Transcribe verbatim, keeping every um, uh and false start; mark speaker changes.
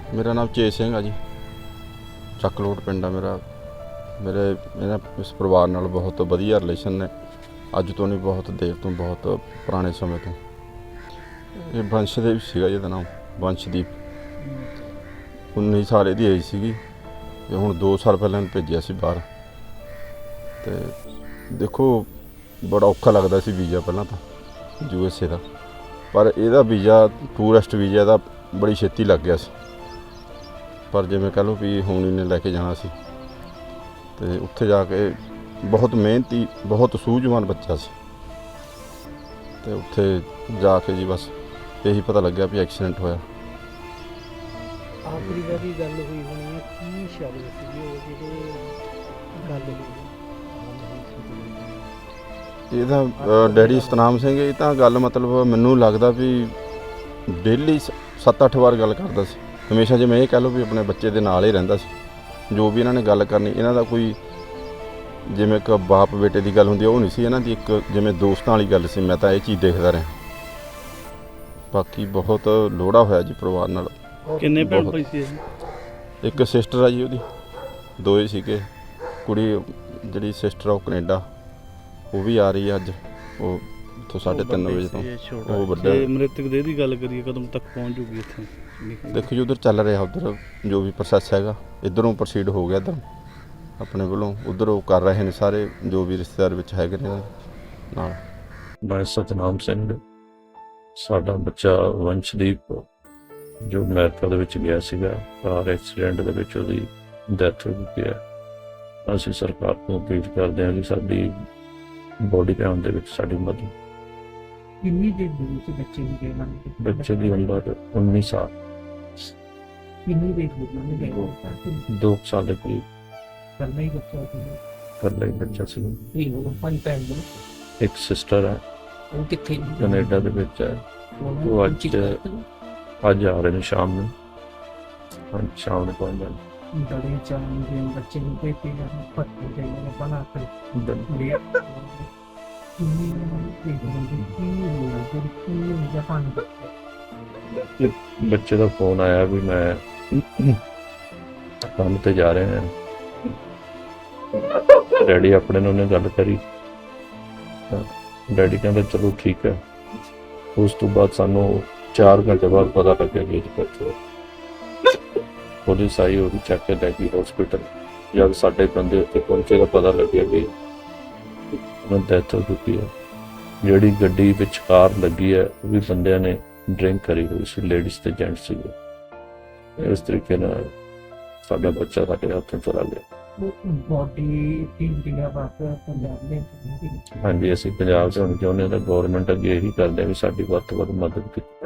Speaker 1: ਮੇਰਾ ਨਾਮ ਚੇਤ ਸਿੰਘ ਆ ਜੀ। ਚੱਕਲੋਟ ਪਿੰਡ ਆ ਮੇਰਾ। ਮੇਰੇ ਇਹਨਾਂ ਇਸ ਪਰਿਵਾਰ ਨਾਲ ਬਹੁਤ ਵਧੀਆ ਰਿਲੇਸ਼ਨ ਨੇ। ਅੱਜ ਤੋਂ ਨਹੀਂ, ਬਹੁਤ ਦੇਰ ਤੋਂ, ਬਹੁਤ ਪੁਰਾਣੇ ਸਮੇਂ ਤੋਂ। ਇਹ ਵੰਸ਼ਦੀਪ ਸੀਗਾ ਜਿਹਦਾ ਨਾਮ ਵੰਸ਼ਦੀਪ। ਉੱਨੀ ਸਾਲ ਇਹਦੀ ਏਜ ਸੀਗੀ ਅਤੇ ਹੁਣ ਦੋ ਸਾਲ ਪਹਿਲਾਂ ਇਹਨੂੰ ਭੇਜਿਆ ਸੀ ਬਾਹਰ। ਅਤੇ ਦੇਖੋ ਬੜਾ ਔਖਾ ਲੱਗਦਾ ਸੀ ਵੀਜ਼ਾ ਪਹਿਲਾਂ ਤਾਂ ਯੂ ਐਸ ਏ ਦਾ, ਪਰ ਇਹਦਾ ਵੀਜ਼ਾ ਟੂਰਿਸਟ ਵੀਜ਼ਾ ਦਾ ਬੜੀ ਛੇਤੀ ਲੱਗ ਗਿਆ ਸੀ। ਪਰ ਜਿਵੇਂ ਕਹਿ ਲਓ ਵੀ ਹੁਣ ਇਹਨੇ ਲੈ ਕੇ ਜਾਣਾ ਸੀ ਅਤੇ ਉੱਥੇ ਜਾ ਕੇ ਬਹੁਤ ਮਿਹਨਤੀ, ਬਹੁਤ ਸੂਝਵਾਨ ਬੱਚਾ ਸੀ। ਅਤੇ ਉੱਥੇ ਜਾ ਕੇ ਜੀ ਬਸ ਇਹੀ ਪਤਾ ਲੱਗਿਆ ਵੀ ਐਕਸੀਡੈਂਟ ਹੋਇਆ।
Speaker 2: ਆਖਰੀ ਵਾਰੀ ਗੱਲ ਹੋਈ ਹੋਣੀ ਹੈ, ਕੀ ਸ਼ਬਦ ਸੀਗੇ ਉਹ ਜਿਹੜੇ ਗੱਲ ਹੋਈ?
Speaker 1: ਇਹਦਾ ਡੈਡੀ ਸਤਨਾਮ ਸਿੰਘ। ਇਹ ਤਾਂ ਗੱਲ ਮਤਲਬ ਮੈਨੂੰ ਲੱਗਦਾ ਵੀ ਡੇਲੀ ਸੱਤ ਅੱਠ ਵਾਰ ਗੱਲ ਕਰਦਾ ਸੀ ਹਮੇਸ਼ਾ। ਜਿਵੇਂ ਇਹ ਕਹਿ ਲਓ ਵੀ ਆਪਣੇ ਬੱਚੇ ਦੇ ਨਾਲ ਹੀ ਰਹਿੰਦਾ ਸੀ। ਜੋ ਵੀ ਇਹਨਾਂ ਨੇ ਗੱਲ ਕਰਨੀ, ਇਹਨਾਂ ਦਾ ਕੋਈ ਜਿਵੇਂ ਇੱਕ ਬਾਪ ਬੇਟੇ ਦੀ ਗੱਲ ਹੁੰਦੀ ਉਹ ਨਹੀਂ ਸੀ ਇਹਨਾਂ ਦੀ, ਇੱਕ ਜਿਵੇਂ ਦੋਸਤਾਂ ਵਾਲੀ ਗੱਲ ਸੀ। ਮੈਂ ਤਾਂ ਇਹ ਚੀਜ਼ ਦੇਖਦਾ ਰਿਹਾ। ਬਾਕੀ ਬਹੁਤ ਲੋੜਾ ਹੋਇਆ ਜੀ ਪਰਿਵਾਰ ਨਾਲ।
Speaker 2: ਕਿੰਨੇ ਭੈਣ ਭਾਈ ਸੀ?
Speaker 1: ਇੱਕ ਸਿਸਟਰ ਆ ਜੀ ਉਹਦੀ, ਦੋਏ ਸੀਗੇ। ਕੁੜੀ ਜਿਹੜੀ ਸਿਸਟਰ ਆ ਉਹ ਕੈਨੇਡਾ, ਉਹ ਵੀ ਆ ਰਹੀ ਹੈ ਅੱਜ। ਉਹ ਇੱਥੋਂ ਸਾਢੇ ਤਿੰਨ ਵਜੇ ਤੋਂ। ਉਹ ਵੱਡਾ।
Speaker 2: ਮ੍ਰਿਤਕ ਦੇਹ ਦੀ ਗੱਲ ਕਰੀਏ, ਕਦੋਂ ਤੱਕ ਪਹੁੰਚ ਜੂਗੀ ਇੱਥੇ?
Speaker 1: ਦੇਖੋ ਜੀ ਉਧਰ ਚੱਲ ਰਿਹਾ, ਉਧਰ ਜੋ ਵੀ ਪ੍ਰੋਸੈਸ ਹੈਗਾ ਇੱਧਰੋਂ ਪ੍ਰੋਸੀਡ ਹੋ ਗਿਆ। ਇੱਧਰ ਆਪਣੇ ਵੱਲੋਂ ਉਧਰ ਉਹ ਕਰ ਰਹੇ ਨੇ ਸਾਰੇ ਜੋ ਵੀ ਰਿਸ਼ਤੇਦਾਰ ਵਿੱਚ ਹੈਗੇ ਨੇ ਨਾਲ।
Speaker 3: ਮੈਂ ਸਤਨਾਮ ਸਿੰਘ। ਸਾਡਾ ਬੱਚਾ ਵੰਸ਼ਦੀਪ ਜੋ ਅਮਰੀਕਾ ਦੇ ਵਿੱਚ ਗਿਆ ਸੀਗਾ, ਕਾਰ ਐਕਸੀਡੈਂਟ ਦੇ ਵਿੱਚ ਉਹਦੀ ਡੈਥ ਹੋ ਗਈ ਹੈ। ਅਸੀਂ ਸਰਕਾਰ ਤੋਂ ਅਪੀਲ ਕਰਦੇ ਹਾਂ ਕਿ ਸਾਡੀ ਬੋਡੀ ਕਾਊਂਟ ਦੇ ਵਿੱਚ ਸਾਡੀ ਮਦਦ।
Speaker 2: ਕਿੰਨੀ ਦੇਰ ਦੇ ਵਿੱਚ ਬੱਚੇ ਨੂੰ ਗਏ ਮੰਨ ਕੇ?
Speaker 3: ਬੱਚੇ ਦੀ ਉਮਰ ਉੱਨੀ ਸਾਲ।
Speaker 2: ਕਿੰਨੀ ਦੇਰ ਹੋ ਗਈ ਉਹਨੇ ਗਏ?
Speaker 3: ਦੋ ਸਾਲ ਦੇ ਕਰੀਬ।
Speaker 2: ਕਰਨਾ ਹੀ ਬੱਚਾ ਸੀ।
Speaker 3: ਇਕੱਲਾ ਹੀ ਬੱਚਾ ਸੀ।
Speaker 2: ਇਹ ਉਹ ਪੰਜ ਭੈਣ ਨੇ।
Speaker 3: ਇੱਕ ਸਿਸਟਰ ਹੈ,
Speaker 2: ਉਹ ਕਿੱਥੇ?
Speaker 3: ਕੈਨੇਡਾ ਦੇ ਵਿੱਚ ਹੈ। ਉਹ ਅੱਜ ਅੱਜ ਆ ਰਹੇ ਨੇ ਸ਼ਾਮ ਨੂੰ। ਹਾਂ, ਸ਼ਾਮ ਨੂੰ ਪਹੁੰਚ ਜਾਣ।
Speaker 2: बड़े चांद बच्चे को देते हैं पत्ते चाहिए बना कर लिया। जापान
Speaker 3: ਬੱਚੇ ਦਾ ਫੋਨ ਆਇਆ ਵੀ ਮੈਂ ਕੰਮ ਤੇ ਜਾ ਰਹੇ ਹਾਂ। ਡੈਡੀ ਆਪਣੇ ਨਾਲ ਉਹਨੇ ਗੱਲ ਕਰੀ। ਡੈਡੀ ਕਹਿੰਦਾ ਚਲੋ ਠੀਕ ਹੈ। ਉਸ ਤੋਂ ਬਾਅਦ ਸਾਨੂੰ ਚਾਰ ਘੰਟੇ ਬਾਅਦ ਪਤਾ ਲੱਗਿਆ ਕਿ ਬੱਚਾ ਪੁਲਿਸ ਆਈ, ਉਹਦੀ ਚੱਕ ਕੇ ਲੈ ਗਈ ਹਸਪੀਟਲ। ਜਦ ਸਾਡੇ ਬੰਦੇ ਉੱਥੇ ਪਹੁੰਚੇ ਤਾਂ ਪਤਾ ਲੱਗਿਆ ਕਿ ਉਹਨਾਂ ਦੀ ਡੈਥ ਹੋ ਚੁੱਕੀ ਹੈ। ਜਿਹੜੀ ਗੱਡੀ ਵਿੱਚ ਕਾਰ ਲੱਗੀ ਹੈ ਉਹ ਵੀ ਬੰਦਿਆਂ ਨੇ ਡਰਿੰਕ ਕਰੀ ਹੋਈ ਸੀ, ਲੇਡੀਜ਼ ਤੇ ਜੈਂਟਸ ਸੀਗੇ। ਇਸ ਤਰੀਕੇ ਨਾਲ ਸਾਡਾ ਬੱਚਾ ਸਾਡੇ ਹੱਥੋਂ ਚਲਾ ਗਿਆ।
Speaker 2: ਬੋਡੀ ਤਿੰਨ ਦਿਨਾਂ ਬਾਅਦ ਪੰਜਾਬ ਦੇ।
Speaker 3: ਹਾਂਜੀ, ਅਸੀਂ ਪੰਜਾਬ 'ਚ ਹੁਣ ਚਾਹੁੰਦੇ ਹਾਂ ਤਾਂ ਗੌਰਮੈਂਟ ਅੱਗੇ ਇਹੀ ਕਰਦੇ ਹਾਂ ਵੀ ਸਾਡੀ ਵੱਧ ਤੋਂ ਵੱਧ ਮਦਦ ਕੀਤੀ।